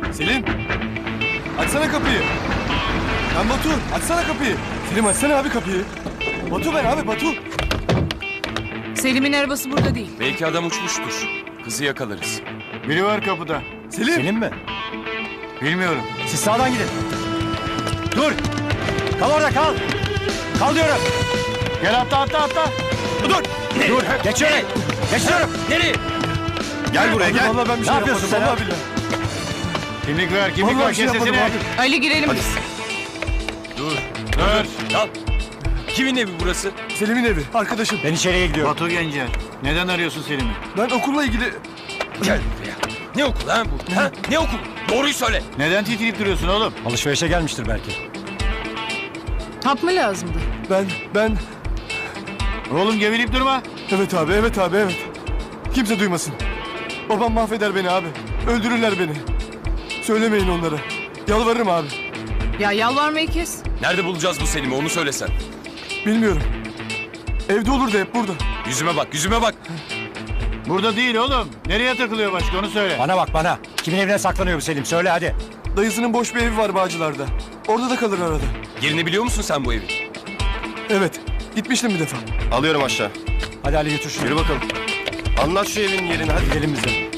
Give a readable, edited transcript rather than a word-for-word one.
Selim. Açsana kapıyı. Ben Batu. Açsana kapıyı. Selim açsana abi kapıyı. Batu ben abi Batu. Selim'in arabası burada değil. Belki adam uçmuştur. Kızı yakalarız. Biri var kapıda. Selim. Selim mi? Bilmiyorum. Siz sağdan gidin. Dur. Kal orada kal. Kal diyorum. Gel atla. Dur. Dur. Geçiyorum. Geçiyorum. Nereye? Gel buraya gel. Vallahi ben bir Ne şey yapıyorsun yapmadım. sen Vallahi billahi. Kimlik ver, kimlik Vallahi ver. bir şey Kes yapmadım sesini. abi. Ali girelim biz. Dur. Kal. Kimin evi burası? Selim'in evi. Arkadaşım. Ben içeriye gidiyorum. Batu Gencer. Neden arıyorsun Selim'i? Ben okulla ilgili... Gel buraya. Ne okulu ha bu? Ha? Ne okulu? Doğruyu söyle. Neden titreyip duruyorsun oğlum? Alışverişe gelmiştir belki. Hap mı lazımdı? Ben... Oğlum geveleyip durma. Evet abi, evet abi, evet. Kimse duymasın. Babam mahveder beni abi. Öldürürler beni. Söylemeyin onlara. Yalvarırım abi. Ya yalvarmayı kes. Nerede bulacağız bu Selim'i onu söylesen. Bilmiyorum. Evde olur da hep burada. Yüzüme bak, yüzüme bak. Burada değil oğlum. Nereye takılıyor başka onu söyle. Bana bak bana. Kimin evine saklanıyor bu Selim? Söyle hadi. Dayısının boş bir evi var Bağcılar'da. Orada da kalır arada. Yerini biliyor musun sen bu evin? Evet. Gitmiştim bir defa. Alıyorum aşağı. Hadi Ali götür şunu. Yürü bakalım. Anlat şu evin yerini hadi. Gidelim biz de.